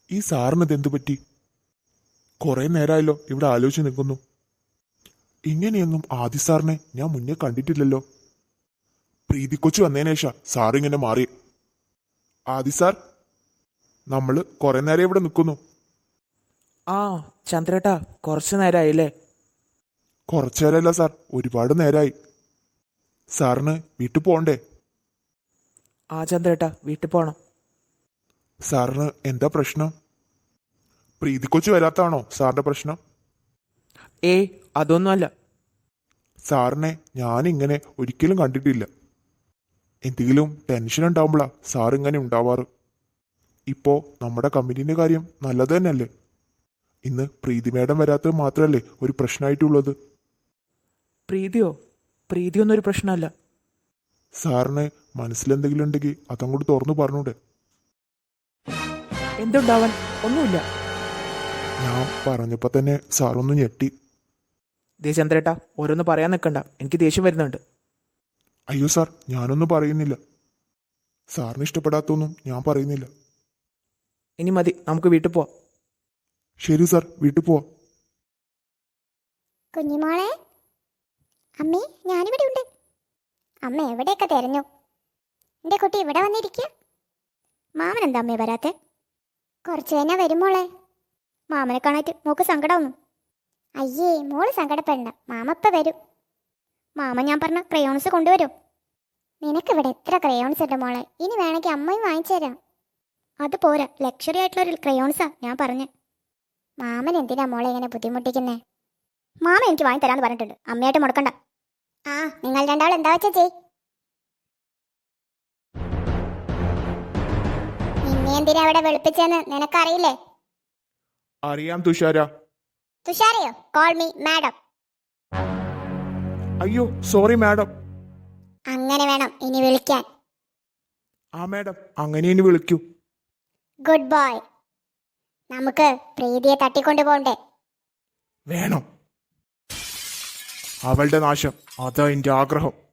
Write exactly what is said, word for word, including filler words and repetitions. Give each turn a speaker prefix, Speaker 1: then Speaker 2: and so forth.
Speaker 1: ഈ സാറിന് ഇതെന്തു പറ്റി? കുറെ നേരമായല്ലോ ഇവിടെ ആലോചിച്ച് നിൽക്കുന്നു. ഇങ്ങനെയൊന്നും ആദി സാറിനെ ഞാൻ മുന്നേ കണ്ടിട്ടില്ലല്ലോ. പ്രീതിക്കൊച്ചു വന്നതിന് ശേഷം സാറിങ്ങനെ മാറി. ആദി സാർ, നമ്മള് കുറെ നേരം ഇവിടെ നിൽക്കുന്നു.
Speaker 2: ആ ചന്ദ്രേട്ടാ, കുറച്ച് നേരമായില്ലേ?
Speaker 1: കുറച്ചു നേരമല്ല സാർ, ഒരുപാട് നേരമായി. സാറിന് വീട്ടിൽ പോകണ്ടേ?
Speaker 2: ആ ചന്ദ്രേട്ടാ, വീട്ടിൽ പോകണം.
Speaker 1: സാറിന് എന്താ പ്രശ്നം? പ്രീതിക്കൊച്ചു വരാത്താണോ സാറിന്റെ പ്രശ്നം?
Speaker 2: ഏയ് അതൊന്നുമല്ല.
Speaker 1: സാറിനെ ഞാനിങ്ങനെ ഒരിക്കലും കണ്ടിട്ടില്ല. എന്തെങ്കിലും ടെൻഷൻ ഉണ്ടാവുമ്പോഴാ സാർ ഇങ്ങനെ ഉണ്ടാവാറ്. ഇപ്പോ നമ്മുടെ കമ്പനീൻ്റെ കാര്യം നല്ലത് തന്നെയല്ലേ? ഇന്ന് പ്രീതി മേഡം വരാത്തത് മാത്രമല്ലേ ഒരു പ്രശ്നമായിട്ടുള്ളത്?
Speaker 2: പ്രീതിയോ? പ്രീതിയൊന്നും ഒരു പ്രശ്നമല്ല.
Speaker 1: സാറിന് മനസ്സിലെന്തെങ്കിലും ഉണ്ടെങ്കിൽ അതങ്ങോട്ട് തുറന്നു പറഞ്ഞൂടെ?
Speaker 2: എന്തുണ്ടാവാൻ? ഒന്നുമില്ല.
Speaker 1: ഞാൻ പറഞ്ഞപ്പോൾ തന്നെ സാറൊന്ന് ഞെട്ടി.
Speaker 2: ദേ ചന്ദ്രേട്ടാ, ഓരോന്ന് പറയാൻ നിൽക്കണ്ട, എനിക്ക് ദേഷ്യം വരുന്നുണ്ട്.
Speaker 1: അയ്യോ സാർ, ഞാനൊന്നും പറയുന്നില്ല. സാറിന് ഇഷ്ടപ്പെടാത്തൊന്നും ഞാൻ പറയുന്നില്ല.
Speaker 2: ഇനി മതി, നമുക്ക് വീട്ടിൽ പോവാം.
Speaker 1: ശരി സാർ, വീട്ടിൽ പോവാം.
Speaker 3: കുഞ്ഞിമോളെ, അമ്മേ ഞാനിവിടെ ഉണ്ട്. അമ്മ എവിടെയൊക്കെ തിരഞ്ഞു. എൻ്റെ കുട്ടി ഇവിടെ വന്നിരിക്കുക. മാമൻ എന്താ അമ്മേ വരാത്തെ? കുറച്ച് കഴിഞ്ഞാൽ വരും മോളെ. മാമനെ കാണാറ്റ് മോക്ക് സങ്കടമൊന്നും. അയ്യേ, മോള് സങ്കടപ്പെടണ്ട, മാമപ്പ വരും. മാമ ഞാൻ പറഞ്ഞ ക്രയോൺസ് കൊണ്ടുവരും. നിനക്കിവിടെ എത്ര ക്രയോൺസ് ഉണ്ട് മോളെ, ഇനി വേണമെങ്കിൽ അമ്മയും വാങ്ങിച്ചു തരാം. അത് പോരാ, ലക്ഷറി ആയിട്ടുള്ളൊരു ക്രയോൺസാ ഞാൻ പറഞ്ഞ്. മാമൻ എന്തിനാ മോളെ ഇങ്ങനെ ബുദ്ധിമുട്ടിക്കുന്നേ? മാമ എനിക്ക് വാങ്ങി തരാന്ന് പറഞ്ഞിട്ടുണ്ട്, അമ്മയായിട്ട് മുടക്കണ്ട. ആ, നിങ്ങൾ രണ്ടാളും എന്താ വെച്ചാ ചെയ്. നിന്നെ എന്തിനാ അവിടെ വെളുപ്പിച്ചെന്ന് നിനക്കറിയില്ലേ?
Speaker 1: അറിയാം തുഷാര.
Speaker 3: തുഷാരയോ? Call me madam.
Speaker 1: അയ്യോ സോറി മാഡം.
Speaker 3: അങ്ങനെ വേണം ഇനി വിളിക്കാൻ.
Speaker 1: ആ മാഡം, അങ്ങനെ ഇനി വിളിക്കൂ.
Speaker 3: Good boy. നമുക്ക് പ്രീതിയെ തട്ടിക്കൊണ്ടു പോണ്ടേ?
Speaker 1: വേണം. അവളുടെ നാശം, അതാ എൻ്റെ ആഗ്രഹം.